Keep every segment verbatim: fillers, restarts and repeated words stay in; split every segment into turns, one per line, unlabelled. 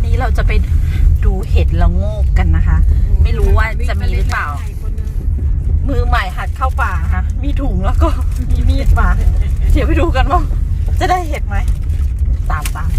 นี้เราจะไปดูเห็ดละโงกกันนะคะ ไม่รู้ว่าจะมีหรือเปล่า มือใหม่หัดเข้าป่าค่ะมีถุงแล้วก็มีมีดมาเดี๋ยวไปดูกันว่าจะได้เห็ดไหมตามตาม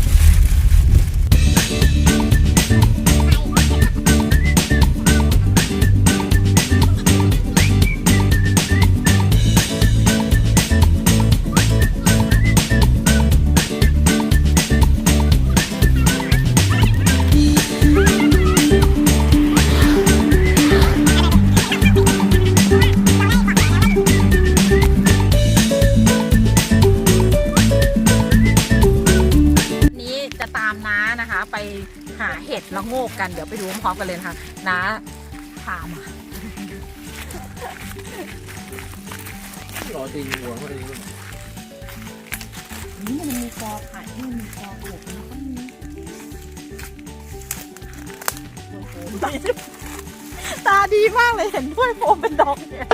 ไปหาเห็ดละโงกกันเดี๋ยวไปดูพร้อมกันเลยนะคะน้าพามา
รอตีหัวเขาเอง
นี่มันมีกอไผ่ที่มันมีกอปลูกแล้วก็มีโอ้โหตาดีมากเลยเห็นด้วยโฟมเป็นดอกเนี่ย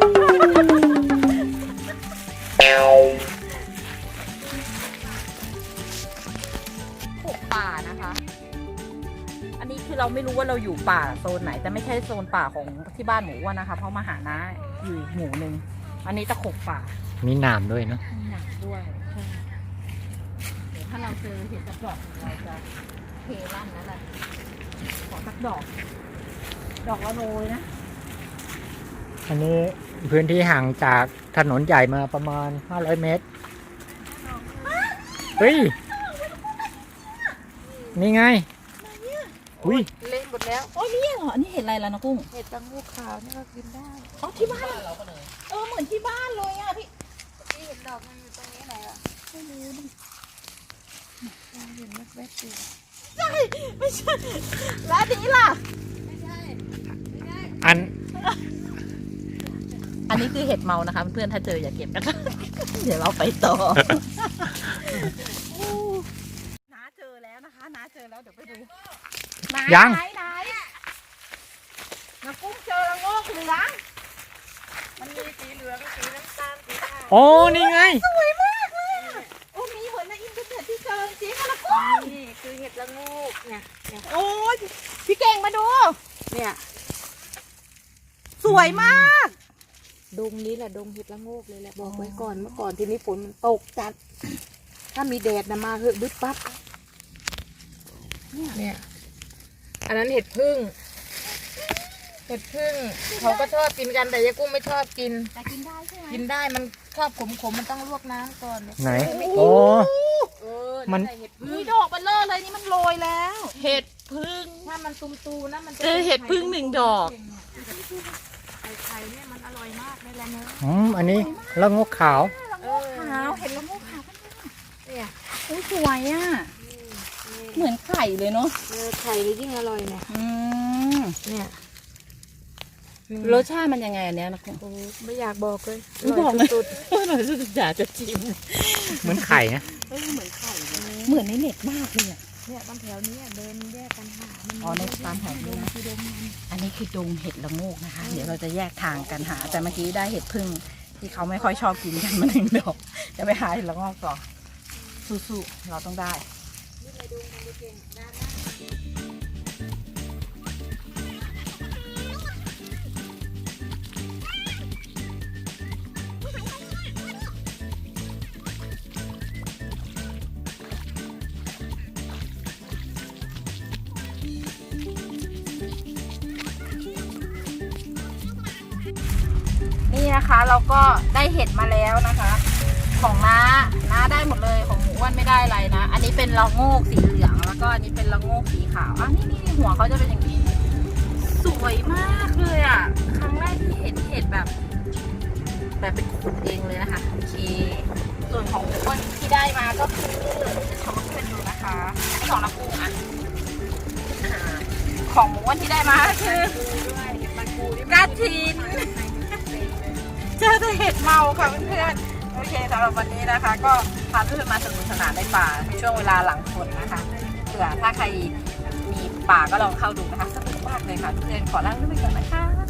หกป่านะคะอันนี้คือเราไม่รู้ว่าเราอยู่ป่าโซนไหนแต่ไม่ใช่โซนป่าของที่บ้านหมูอ้วนนะคะเพราะมาหาน้าอยู่หมู่หนึ่งอันนี้ตะขบป่า
มีหนามด้วยเนาะ
มีหนามด้วยเดี๋ยวถ้าเราเจอเห็ดสักดอกเราจะเทลั่นนั่นแหละขอสักดอกดอกละโรยนะ
อันนี้พื้นที่ห่างจากถนนใหญ่มาประมาณห้าร้อยเมตรเฮ้ยนี่ไงอุ้ย
เละหมดแล้วโอ้ยนี่เหรออันนี้เห็ดอะไรล่ะนะกุ้ง
เห็ดตังงูขาวนี่ก็กินได้
อ๋อที่บ้านเราก็เลยเออเหมือนที่บ้านเลยอ่ะพี่
ที่เห็นดอกมันอยู่ตรงนี้ไหนอ่ะไม่รู้ดิเราเห็นแว๊บๆอยู่
ใช่ไม่ใช่แล้วอันนี้ล่ะ
ไม่ใช่ไม่ใช่
อัน
อันนี้คือเห็ดเมานะคะเพื่อนๆถ้าเจออย่าเก็บนะคะเดี๋ยวเราไปต่อน้าเจอแล้วนะคะน้าเจอแล้วเดี๋ยวไปดู
ยัง
ไหนไหนน้ากุ้งเจอละโงกเหลือง
มันมีสีเหลืองสีน้ำตาลสีขาว
โอ้นี่ไง
สวยมากเลยโอ้มีเหมือนในอินเทอร์เน็ตที่เจอจริงๆละกุ้ง
นี่คือเห็ดละงูเนี่ยเนี่ย
โอ้ยพี่เก่งมาดู
เนี่ย
สวยมาก
ดงนี้แหละดงเห็ดละงูเลยแหละบอกไว้ก่อนเมื่อก่อนทีนี้ฝนมันตกจัดถ้ามีแดดนะมาเหอะบึ๊บปั๊บเนี่ยอันนั้นเห็ดพึ่งเห็ดพึ่งเขาก็ชอบกินกันแต่ยายกุ้งไม่ชอบกิน
แต่กินได้ใช่ไหม
กินได้มันชอบขมๆมันต้องลวกน้ำก่อน
ไหนโอ้
มัน
มีดอกเบลเลอร์เลยนี่มันโรยแล้วเห็ดพึ่ง
ถ้ามันตุ่มๆนะมันจะ
เจอเห็ดพึ่งหนึ่งดอก
ไข่ไข่เนี่ยมันอร่อยมากเลยแหละเนอะ
อืมอันนี้ละงกขาว
ละงกขาวเห็ดละงกขาว
เนี่ย
โอ้สวยอ่ะเหมือนไข่เลยเนาะ
เออไข่เลยยิ่งอร่อยเนี่ย
อืม
เนี่ย
รสชาติมันยังไงอันเนี้ยนะคุณ
ไม่อยากบอกเลย
ไม่บอกเลยสุดๆหน่อยสุดๆอยากจะชิม
เหมือนไข่นะ
เออเหมือนไข่เหมือนในเน็ตมากเลยอ่ะ
เนี่ยตามแถวนี้เดินแยกกันหา
อ๋อในตามแถวนี้นะอันนี้คือดงเห็ดละโงกนะคะเดี๋ยวเราจะแยกทางกันหาแต่เมื่อกี้ได้เห็ดพึ่งที่เขาไม่ค่อยชอบกินกันมาหนึ่งดอกจะไปหาเห็ดละโงกต่อสู้ๆเราต้องได้นี่นะคะเราก็ได้เห็ดมาแล้วนะคะของน้าน้าได้หมดเลยของหมูอ้วนไม่ได้อะไรนะอันนี้เป็นละโงกสีเหลืองแล้วก็อันนี้เป็นละโงกสีขาวอ่ะนี่นี่หัวเขาจะเป็นอย่างนี้สวยมากเลยอ่ะครั้งแรกที่เห็นเห็ดแบบแบบเป็นขุดเองเลยนะคะโอเคส่วนของหมูอ้วนที่ได้มาก็คือจะชมเพื่อนดูนะคะอันนี้ของน้ำปูอ่ะของหมูอ้วนที่ได้มาคือกระถินเจอแต่เห็ดเมาค่ะเพื่อนๆโอเคสำหรับวันนี้นะคะก็พาเพื่อนมาสนุกสนานในป่าช่วงเวลาหลังฝนนะคะเผื่อถ้าใครมีป่าก็ลองเข้าดูนะคะสนุกมากเลยค่ะเพื่อนขอลาไปก่อนนะคะ